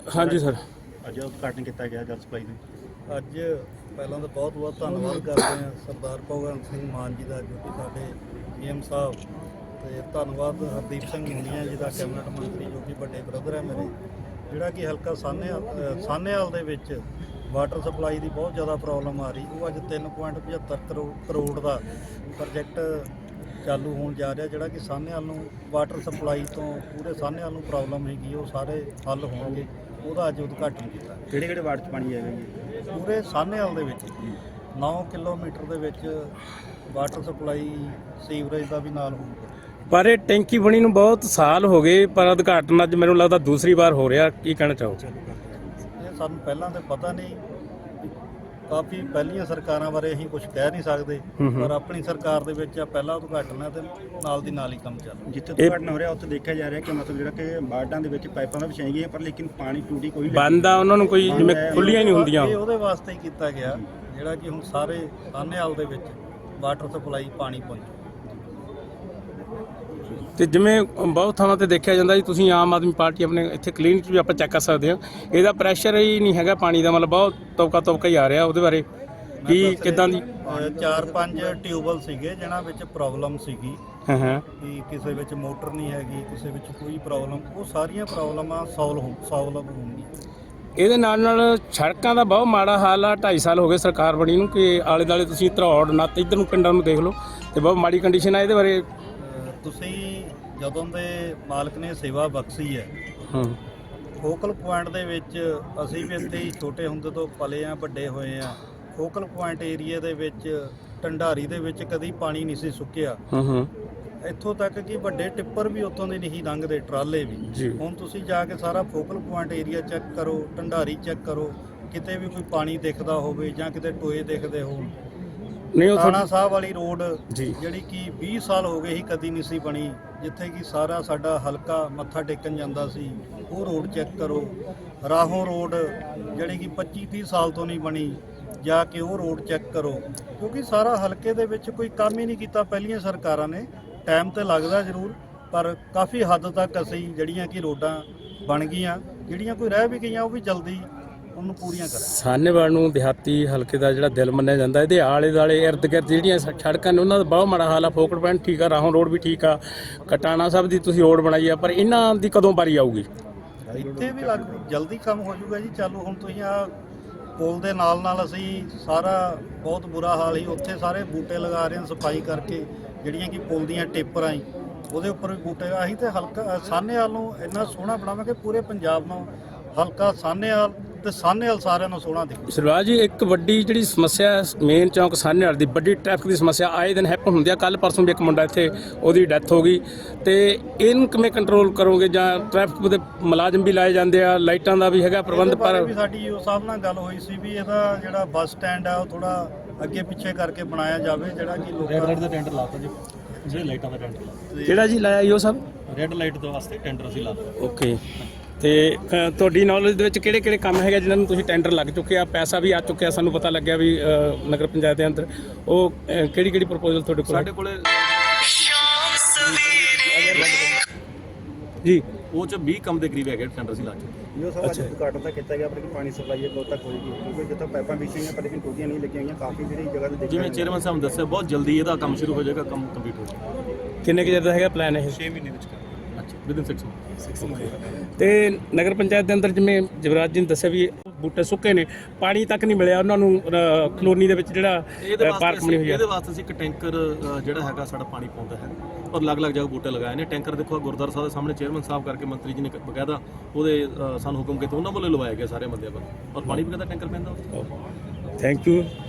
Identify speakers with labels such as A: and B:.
A: ਹਾਂਜੀ ਸਰ।
B: ਅੱਜ ਉਦਘਾਟਨ ਕੀਤਾ ਗਿਆ ਜਲ ਸਪਲਾਈ ਦਾ।
C: ਅੱਜ ਪਹਿਲਾਂ ਤਾਂ ਬਹੁਤ ਬਹੁਤ ਧੰਨਵਾਦ ਕਰਦੇ ਹਾਂ ਸਰਦਾਰ ਭਗਵੰਤ ਸਿੰਘ ਮਾਨ ਜੀ ਦਾ, ਜੋ ਕਿ ਸਾਡੇ ਪੀਐਮ ਸਾਹਿਬ, ਤੇ ਧੰਨਵਾਦ ਹਰਦੀਪ ਸਿੰਘ ਮੁੰਡੀਆਂ ਜੀ ਦਾ, ਕੈਬਨਿਟ ਮੰਤਰੀ, ਜੋ ਕਿ ਵੱਡੇ ਬ੍ਰਦਰ ਹੈ ਮੇਰੇ, ਜਿਹੜਾ ਕਿ ਹਲਕਾ ਸਾਹਨੇਵਾਲ ਦੇ ਵਿੱਚ ਵਾਟਰ ਸਪਲਾਈ ਦੀ ਬਹੁਤ ਜ਼ਿਆਦਾ ਪ੍ਰੋਬਲਮ ਆ ਰਹੀ। ਉਹ ਅੱਜ 3.75 ਕਰੋੜ ਦਾ ਪ੍ਰੋਜੈਕਟ ਚਾਲੂ ਹੋਣ ਜਾ ਰਿਹਾ, ਜਿਹੜਾ ਕਿ ਸਾਹਨੇਵਾਲ ਨੂੰ ਵਾਟਰ ਸਪਲਾਈ ਤੋਂ ਪੂਰੇ ਸਾਹਨੇਵਾਲ ਨੂੰ ਪ੍ਰੋਬਲਮ ਹੈਗੀ, ਉਹ ਸਾਰੇ ਹੱਲ ਹੋਣਗੇ। ਉਹਦਾ ਅੱਜ ਉਦਘਾਟਨ ਕੀਤਾ।
B: ਕਿਹੜੇ ਵਾਰਡ 'ਚ ਪਾਣੀ ਆਏਗਾ ਜੀ?
C: ਪੂਰੇ ਸਾਹਨੇਵਾਲ ਦੇ ਵਿੱਚ 9 ਕਿਲੋਮੀਟਰ ਦੇ ਵਿੱਚ ਵਾਟਰ ਸਪਲਾਈ ਸੀਵਰੇਜ ਦਾ ਵੀ ਨਾਲ ਹੋਊਗਾ।
A: ਪਰ ਇਹ ਟੈਂਕੀ ਬਣੀ ਨੂੰ ਬਹੁਤ ਸਾਲ ਹੋ ਗਏ, ਪਰ ਉਦਘਾਟਨ ਅੱਜ ਮੈਨੂੰ ਲੱਗਦਾ ਦੂਸਰੀ ਵਾਰ ਹੋ ਰਿਹਾ। ਕੀ ਕਹਿਣਾ ਚਾਹੋ?
C: ਇਹ ਸਾਨੂੰ ਪਹਿਲਾਂ ਤਾਂ ਪਤਾ ਨਹੀਂ, ਕਾਫੀ ਪਹਿਲੀਆਂ ਸਰਕਾਰਾਂ ਬਾਰੇ ਅਸੀਂ ਕੁਝ ਕਹਿ ਨਹੀਂ ਸਕਦੇ, ਪਰ ਆਪਣੀ ਸਰਕਾਰ ਦੇ ਵਿੱਚ ਪਹਿਲਾ ਉਦਘਾਟਨ ਹੈ ਤੇ ਨਾਲ ਦੀ ਨਾਲ ਹੀ ਕੰਮ ਚੱਲ ਰਿਹਾ।
B: ਜਿੱਥੇ ਉਦਘਾਟਨ ਹੋ ਰਿਹਾ ਉੱਥੇ ਦੇਖਿਆ ਜਾ ਰਿਹਾ ਕਿ ਮਤਲਬ ਜਿਹੜਾ ਕਿ ਵਾਰਡਾਂ ਦੇ ਵਿੱਚ ਪਾਈਪਾਂ ਤਾਂ ਵਿਛਾਈਆਂ ਗਈਆਂ, ਪਰ ਲੇਕਿਨ ਪਾਣੀ ਟੂਟੀ ਕੋਈ
A: ਬੰਦ ਆ, ਉਹਨਾਂ ਨੂੰ ਕੋਈ ਜਿਵੇਂ ਖੁੱਲੀਆਂ ਹੀ ਨਹੀਂ ਹੁੰਦੀਆਂ।
C: ਇਹ ਉਹਦੇ ਵਾਸਤੇ ਹੀ ਕੀਤਾ ਗਿਆ, ਜਿਹੜਾ ਕਿ ਹੁਣ ਸਾਰੇ ਸਾਹਨੇਵਾਲ ਦੇ ਵਿੱਚ ਵਾਟਰ ਸਪਲਾਈ ਪਾਣੀ ਪਹੁੰਚੇ।
A: ਤੇ ਜਿਵੇਂ ਬਹੁਤ ਥਾਵਾਂ ਤੇ ਦੇਖਿਆ ਜਾਂਦਾ ਜੀ, ਤੁਸੀਂ ਆਮ ਆਦਮੀ ਪਾਰਟੀ ਆਪਣੇ ਇੱਥੇ ਕਲੀਨਿਕ ਵੀ ਆਪਾਂ ਚੈੱਕ ਕਰ ਸਕਦੇ ਹਾਂ, ਇਹਦਾ ਪ੍ਰੈਸ਼ਰ ਹੀ ਨਹੀਂ ਹੈਗਾ ਪਾਣੀ ਦਾ, ਮਤਲਬ ਬਹੁਤ ਤਬਕਾ ਹੀ ਆ ਰਿਹਾ। ਉਹਦੇ ਬਾਰੇ ਕੀ ਕਿੱਦਾਂ ਦੀ?
C: 4-5 ਟਿਊਬਲ ਸੀਗੇ ਜਿਨ੍ਹਾਂ ਵਿੱਚ ਪ੍ਰੋਬਲਮ ਸੀਗੀ,
A: ਹਾਂ
C: ਕਿ ਕਿਸੇ ਵਿੱਚ ਮੋਟਰ ਨਹੀਂ ਹੈਗੀ, ਕਿਸੇ ਵਿੱਚ ਕੋਈ ਪ੍ਰੋਬਲਮ, ਉਹ ਸਾਰੀਆਂ ਪ੍ਰੋਬਲਮਾਂ ਸੋਲਵ ਹੋਣਗੀਆਂ।
A: ਇਹਦੇ ਨਾਲ ਸੜਕਾਂ ਦਾ ਬਹੁਤ ਮਾੜਾ ਹਾਲ ਆ। 2.5 ਸਾਲ ਹੋ ਗਏ ਸਰਕਾਰ ਬਣੀ ਨੂੰ, ਕਿ ਆਲੇ ਦੁਆਲੇ ਤੁਸੀਂ ਧਰੌੜ ਨੱਤ ਇੱਧਰ ਨੂੰ ਪਿੰਡਾਂ ਨੂੰ ਦੇਖ ਲਓ ਤੇ ਬਹੁਤ ਮਾੜੀ ਕੰਡੀਸ਼ਨ ਆ। ਇਹਦੇ ਬਾਰੇ
C: ਤੁਸੀਂ ਜਦੋਂ ਦੇ ਮਾਲਕ ਨੇ ਸੇਵਾ ਬਖਸ਼ੀ ਹੈ, ਫੋਕਲ ਪੁਆਇੰਟ ਦੇ ਵਿੱਚ ਅਸੀਂ ਵੀ ਇੱਥੇ ਹੀ ਛੋਟੇ ਹੁੰਦੇ ਤੋਂ ਪਲੇ ਆ, ਵੱਡੇ ਹੋਏ ਆ। ਫੋਕਲ ਪੁਆਇੰਟ ਏਰੀਆ ਦੇ ਵਿੱਚ ਢੰਡਾਰੀ ਦੇ ਵਿੱਚ ਕਦੀ ਪਾਣੀ ਨਹੀਂ ਸੀ ਸੁੱਕਿਆ। ਇੱਥੋਂ ਤੱਕ ਕਿ ਵੱਡੇ ਟਿੱਪਰ ਵੀ ਉੱਥੋਂ ਦੇ ਨਹੀਂ ਲੰਘਦੇ, ਟਰਾਲੇ ਵੀ। ਹੁਣ ਤੁਸੀਂ ਜਾ ਕੇ ਸਾਰਾ ਫੋਕਲ ਪੁਆਇੰਟ ਏਰੀਆ ਚੈੱਕ ਕਰੋ, ਢੰਡਾਰੀ ਚੈੱਕ ਕਰੋ, ਕਿਤੇ ਵੀ ਕੋਈ ਪਾਣੀ ਦਿਖਦਾ ਹੋਵੇ ਜਾਂ ਕਿਤੇ ਟੋਏ ਦਿਖਦੇ ਹੋਣ। ਥਾਣਾ ਸਾਹਿਬ ਵਾਲੀ ਰੋਡ ਜਿਹੜੀ ਕਿ 20 ਸਾਲ ਹੋ ਗਏ ਹੀ ਕਦੀ ਨਹੀਂ ਸੀ ਬਣੀ, ਜਿੱਥੇ ਕਿ ਸਾਰਾ ਸਾਡਾ ਹਲਕਾ ਮੱਥਾ ਟੇਕਣ ਜਾਂਦਾ ਸੀ, ਉਹ ਰੋਡ ਚੈੱਕ ਕਰੋ। ਰਾਹੋਂ ਰੋਡ ਜਿਹੜੀ ਕਿ 25-30 ਸਾਲ ਤੋਂ ਨਹੀਂ ਬਣੀ, ਜਾ ਕੇ ਉਹ ਰੋਡ ਚੈੱਕ ਕਰੋ, ਕਿਉਂਕਿ ਸਾਰਾ ਹਲਕੇ ਦੇ ਵਿੱਚ ਕੋਈ ਕੰਮ ਹੀ ਨਹੀਂ ਕੀਤਾ ਪਹਿਲੀਆਂ ਸਰਕਾਰਾਂ ਨੇ। ਟਾਈਮ ਤੇ ਲੱਗਦਾ ਜ਼ਰੂਰ, ਪਰ ਕਾਫੀ ਹੱਦ ਤੱਕ ਅਸੀਂ ਜਿਹੜੀਆਂ ਕਿ ਰੋਡਾਂ ਬਣ ਗਈਆਂ, ਜਿਹੜੀਆਂ ਕੋਈ ਰਹਿ ਵੀ ਗਈਆਂ ਉਹ ਵੀ ਜਲਦੀ ਉਹਨੂੰ ਪੂਰੀਆਂ ਕਰਾਂ।
A: ਸਾਹਨੇਵਾਲ ਨੂੰ ਦਿਹਾਤੀ ਹਲਕੇ ਦਾ ਜਿਹੜਾ ਦਿਲ ਮੰਨਿਆ ਜਾਂਦਾ। ਇਹਦੇ ਆਲੇ ਦੁਆਲੇ ਇਰਦ ਗਿਰਦ ਜਿਹੜੀਆਂ ਸੜਕਾਂ ਨੇ ਉਹਨਾਂ ਦਾ ਬਹੁਤ ਮਾੜਾ ਹਾਲ ਆ। ਫੋਕਲ ਪੁਆਇੰਟ ਠੀਕ ਆ, ਰਾਹੋਂ ਰੋਡ ਵੀ ਠੀਕ ਆ, ਕਟਾਣਾ ਸਾਹਿਬ ਦੀ ਤੁਸੀਂ ਰੋਡ ਬਣਾਈ ਆ, ਪਰ ਇਹਨਾਂ ਦੀ ਕਦੋਂ ਵਾਰੀ ਆਊਗੀ?
C: ਇੱਥੇ ਵੀ ਜਲਦੀ ਕੰਮ ਹੋ ਜਾਊਗਾ ਜੀ ਚਾਲੂ। ਹੁਣ ਤੁਸੀਂ ਆ ਪੁਲ ਦੇ ਨਾਲ ਅਸੀਂ ਸਾਰਾ ਬਹੁਤ ਬੁਰਾ ਹਾਲ ਹੀ, ਉੱਥੇ ਸਾਰੇ ਬੂਟੇ ਲਗਾ ਰਹੇ ਹਾਂ ਸਫਾਈ ਕਰਕੇ, ਜਿਹੜੀਆਂ ਕਿ ਪੁਲ ਦੀਆਂ ਟੇਪਰਾਂ ਹੀ ਉਹਦੇ ਉੱਪਰ ਵੀ ਬੂਟੇ। ਅਸੀਂ ਤੇ ਹਲਕਾ ਸਾਹਨੇਵਾਲ ਨੂੰ ਇੰਨਾ ਸੋਹਣਾ ਬਣਾਵਾਂਗੇ, ਪੂਰੇ ਪੰਜਾਬ ਨੂੰ ਹਲਕਾ ਸਾਹਨੇਵਾਲ ਤੇ ਸਾਹਨੇਵਾਲ ਸਾਰਿਆਂ ਨੂੰ ਸੋਹਣਾ ਦਿਖੂ।
A: ਸਰਵਾਜ ਜੀ, ਇੱਕ ਵੱਡੀ ਜਿਹੜੀ ਸਮੱਸਿਆ ਮੇਨ ਚੌਂਕ ਸਾਹਨੇਵਾਲ ਦੀ ਵੱਡੀ ਟ੍ਰੈਫਿਕ ਦੀ ਸਮੱਸਿਆ ਆਏ ਦਿਨ ਹੈਪਨ ਹੁੰਦੀ ਆ। ਕੱਲ ਪਰਸੋਂ ਵੀ ਇੱਕ ਮੁੰਡਾ ਇੱਥੇ ਉਹਦੀ ਡੈਥ ਹੋ ਗਈ, ਤੇ ਇਹਨੂੰ ਕਿਵੇਂ ਕੰਟਰੋਲ ਕਰੋਗੇ? ਜਾਂ ਟ੍ਰੈਫਿਕ ਦੇ ਮੁਲਾਜ਼ਮ ਵੀ ਲਾਏ ਜਾਂਦੇ ਆ, ਲਾਈਟਾਂ ਦਾ ਵੀ ਹੈਗਾ ਪ੍ਰਬੰਧ, ਪਰ
C: ਵੀ ਸਾਡੀ ਉਹ ਸਾਹਿਬ ਨਾਲ ਗੱਲ ਹੋਈ ਸੀ ਵੀ ਇਹਦਾ ਜਿਹੜਾ ਬੱਸ ਸਟੈਂਡ ਆ ਉਹ ਥੋੜਾ ਅੱਗੇ ਪਿੱਛੇ ਕਰਕੇ ਬਣਾਇਆ ਜਾਵੇ, ਜਿਹੜਾ ਕਿ ਲੋਕਾਂ
B: ਦਾ ਟੈਂਡਰ ਲਾਤਾ ਜੀ, ਜਿਹੜੇ ਲਾਈਟਾਂ ਦਾ ਟੈਂਡਰ ਲਾਤਾ।
A: ਕਿਹੜਾ ਜੀ ਲਾਇਆ ਉਹ ਸਭ?
B: ਰੈੱਡ ਲਾਈਟ ਦੇ ਵਾਸਤੇ ਟੈਂਡਰ ਅਸੀਂ ਲਾਤਾ।
A: ਓਕੇ। ਤੇ ਤੁਹਾਡੀ ਨੌਲੇਜ ਦੇ ਵਿੱਚ ਕਿਹੜੇ ਕਿਹੜੇ ਕੰਮ ਹੈਗੇ ਜਿਨ੍ਹਾਂ ਨੂੰ ਤੁਸੀਂ ਟੈਂਡਰ ਲੱਗ ਚੁੱਕੇ ਆ, ਪੈਸਾ ਵੀ ਆ ਚੁੱਕਿਆ? ਸਾਨੂੰ ਪਤਾ ਲੱਗਿਆ ਵੀ ਨਗਰ ਪੰਚਾਇਤ ਦੇ ਅੰਦਰ ਉਹ ਕਿਹੜੀ ਪ੍ਰਪੋਜ਼ਲ ਤੁਹਾਡੇ ਕੋਲ?
B: ਸਾਡੇ ਕੋਲੇ
A: ਜੀ
B: ਉਹ 'ਚ 20 ਕੰਮ ਦੇ ਕਰੀਬ ਹੈਗੇ ਟੈਂਡਰ ਅਸੀਂ ਲਾ ਚੁੱਕੇ। ਜੋ ਸਭ ਅੱਜ ਉਦਘਾਟਨ ਤਾਂ ਕੀਤਾ ਗਿਆ, ਪਰ ਕਿ ਪਾਣੀ ਸਪਲਾਈ ਕਦੋਂ ਤੱਕ ਹੋਏਗੀ? ਕਿਉਂਕਿ ਜਿੱਥੇ ਪਾਈਪਾਂ ਵਿਛੀਆਂ ਪਰ ਲੇਕਿਨ ਟੂਟੀਆਂ ਨਹੀਂ ਲੱਗੀਆਂ ਹੋਈਆਂ, ਕਾਫੀ ਜਿਹੜੀ ਜਗ੍ਹਾ ਤੇ ਜਿਵੇਂ ਚੇਅਰਮੈਨ ਸਾਹਿਬ ਨੇ ਦੱਸਿਆ ਬਹੁਤ ਜਲਦੀ ਇਹਦਾ ਕੰਮ ਸ਼ੁਰੂ ਹੋ ਜਾਏਗਾ, ਕੰਮ ਕੰਪਲੀਟ ਹੋ ਜਾਏਗਾ।
A: ਕਿੰਨੇ ਕੁ ਚਿਰ ਦਾ ਹੈਗਾ ਪਲਾਨ ਇਹ?
B: 6 ਮਹੀਨੇ ਵਿੱਚ ਕਰ। ਅੱਛਾ, ਵਿਦਿਨ 6 ਮੰਥ।
A: ਤੇ ਨਗਰ ਪੰਚਾਇਤ ਦੇ ਅੰਦਰ ਜਿਵੇਂ ਜਵਰਾਜ ਜੀ ਨੇ ਦੱਸਿਆ ਵੀ ਬੂਟੇ ਸੁੱਕੇ ਨੇ, ਪਾਣੀ ਤੱਕ ਨਹੀਂ ਮਿਲਿਆ ਉਹਨਾਂ ਨੂੰ ਕਲੋਨੀ ਦੇ ਵਿੱਚ ਜਿਹੜਾ ਪਾਰਕ ਬਣੀ ਹੋਈ ਹੈ।
B: ਇਹਦੇ ਵਾਸਤੇ ਅਸੀਂ ਇੱਕ ਟੈਂਕਰ ਜਿਹੜਾ ਹੈਗਾ ਸਾਡਾ ਪਾਣੀ ਪਾਉਂਦਾ ਹੈ, ਔਰ ਅਲੱਗ-ਅਲੱਗ ਜਗ੍ਹਾ ਬੂਟੇ ਲਗਾਏ ਨੇ। ਟੈਂਕਰ ਦੇਖੋ ਗੁਰਦੁਆਰਾ ਸਾਹਿਬ ਦੇ ਸਾਹਮਣੇ ਚੇਅਰਮੈਨ ਸਾਹਿਬ ਕਰਕੇ ਮੰਤਰੀ ਜੀ ਨੇ ਬਕਾਇਦਾ ਉਹਦੇ ਸਾਨੂੰ ਹੁਕਮ ਕੀਤਾ, ਉਹਨਾਂ ਵੱਲੋਂ ਲਵਾਇਆ ਗਿਆ ਸਾਰੇ ਬੰਦਿਆਂ ਵੱਲੋਂ, ਔਰ ਪਾਣੀ ਬਕਾਇਦਾ ਟੈਂਕਰ ਪੈਂਦਾ।
A: Thank you.